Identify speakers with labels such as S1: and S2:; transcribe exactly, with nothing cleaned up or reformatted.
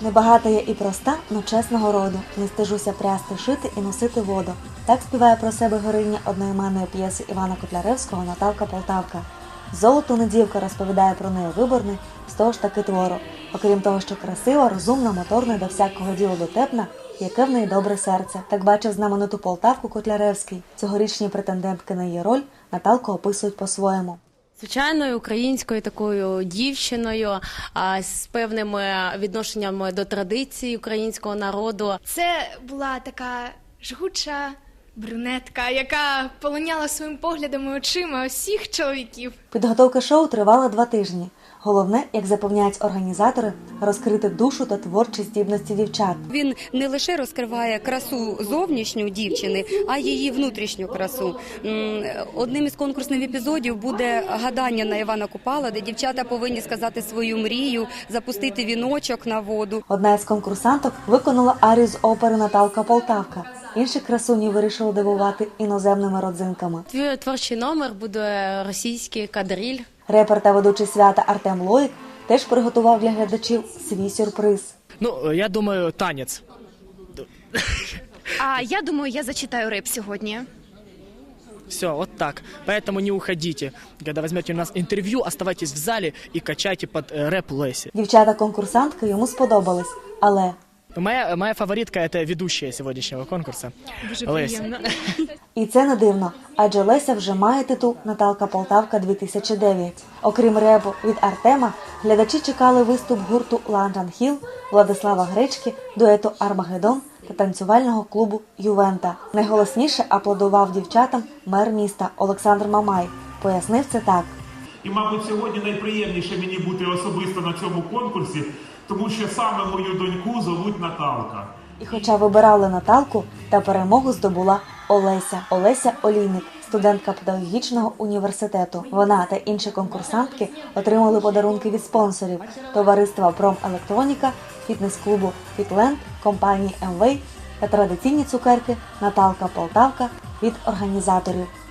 S1: Небагата я і проста, но чесного роду. Не стижуся прясти, шити і носити воду. Так співає про себе героїня одноіменної п'єси Івана Котляревського «Наталка Полтавка». «Золото не дівка» розповідає про неї виборний, з того ж таки твору. Окрім того, що красива, розумна, моторна і до всякого діла дотепна, яке в неї добре серце. Так бачив знамениту Полтавку Котляревський. Цьогорічні претендентки на її роль Наталку описують по-своєму.
S2: Звичайною українською такою дівчиною, а, з певними відношеннями до традицій українського народу.
S3: Це була така жгуча брюнетка, яка полоняла своїм поглядом і очима усіх чоловіків.
S1: Підготовка шоу тривала два тижні. Головне, як запевняють організатори, розкрити душу та творчі здібності дівчат.
S4: Він не лише розкриває красу зовнішню дівчини, а й її внутрішню красу. Одним із конкурсних епізодів буде гадання на Івана Купала, де дівчата повинні сказати свою мрію, запустити віночок на воду.
S1: Одна із конкурсанток виконала арію з опери «Наталка Полтавка». Інші красуні вирішили дивувати іноземними родзинками.
S2: Твій творчий номер буде російський кадриль.
S1: Репер та ведучий свята Артем Лоїк теж приготував для глядачів свій сюрприз.
S5: Ну, я думаю, танець.
S3: А я думаю, я зачитаю реп сьогодні.
S5: Все, вот так. Поэтому не уходите. Когда возьмете у нас интервью, оставайтесь в зале и качайте под э, рэп Леси.
S1: Дівчата-конкурсантки йому сподобались, але...
S5: Моя, моя фаворитка – это ведущая сегодняшнего конкурса. Леся.
S1: І це не дивно, адже Леся вже має титул «Наталка Полтавка дві тисячі дев'ять». Окрім репу від Артема, глядачі чекали виступ гурту «Ланджан Хіл», Владислава Гречки, дуету «Армагеддон» та танцювального клубу «Ювента». Найголосніше аплодував дівчатам мер міста Олександр Мамай. Пояснив це так.
S6: І, мабуть, сьогодні найприємніше мені бути особисто на цьому конкурсі, тому що саме мою доньку зовуть Наталка.
S1: І хоча вибирали Наталку, та перемогу здобула Олеся. Олеся Олійник, студентка педагогічного університету. Вона та інші конкурсантки отримали подарунки від спонсорів – товариства «Промелектроніка», фітнес-клубу «Фітленд», компанії «Емвей» та традиційні цукерки «Наталка Полтавка» від організаторів.